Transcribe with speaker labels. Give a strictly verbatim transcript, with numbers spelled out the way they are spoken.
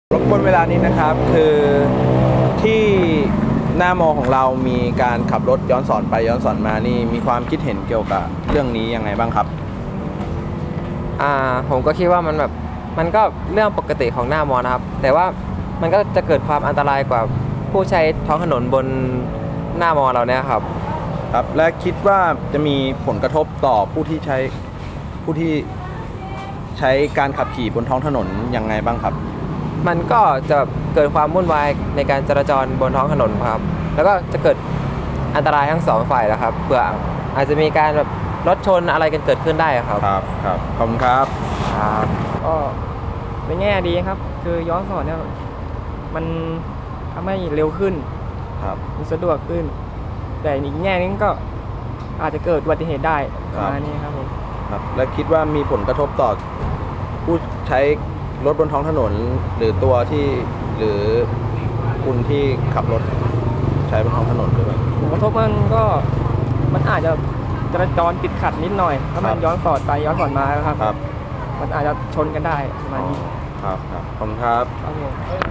Speaker 1: รบกวนเวลานี้นะครับคือที่หน้ามอของเรามีการขับรถย้อนสอนไปย้อนสอนมานี่มีความคิดเห็นเกี่ยวกับเรื่องนี้ยังไงบ้างครับ
Speaker 2: อ่าผมก็คิดว่ามันแบบมันก็เรื่องปกติของหน้ามอนะครับแต่ว่ามันก็จะเกิดความอันตรายกว่าผู้ใช้ท้องถนนบนหน้ามอเราเนี่ยครับ
Speaker 1: ครับและคิดว่าจะมีผลกระทบต่อผู้ที่ใช้ผู้ที่ใช้การขับขี่บนท้องถนนยังไงบ้างครับ
Speaker 2: มันก็จะเกิดความวุ่นวายในการจราจรบนท้องถนนครับแล้วก็จะเกิดอันตรายทั้งสองฝ่ายแล้วครับเผื่ออาจจะมีการแบบรถชนอะไรกันเกิดขึ้นได้ครับ
Speaker 1: ครับครับขอบคุณครับ
Speaker 2: ครับ
Speaker 3: ก็เป็นแง่ดีครับคือย้อนสอนเนี่ยมันทำให้เร็วขึ้น
Speaker 1: ครับ
Speaker 3: มันสะดวกขึ้นแต่อีกแง่นึงก็อาจจะเกิดอุบัติเหตุได้ประมาณนี้ครับผม
Speaker 1: ครับและคิดว่ามีผลกระทบต่อผู้ใช้รถบนท้องถนนหรือตัวที่หรือคุณที่ขับรถใช้บนท้องถนนหรือเปล่า
Speaker 3: ผลกระทบมันก็มันอาจจะจราจรติดขัดนิดหน่อยถ้ามันย้อนสอนไปย้อนสอนมาครับ
Speaker 1: ครับ
Speaker 3: มันอาจจะชนกันได้ประมาณนี้
Speaker 1: ครับครับขอบคุณครับ
Speaker 3: ครับผม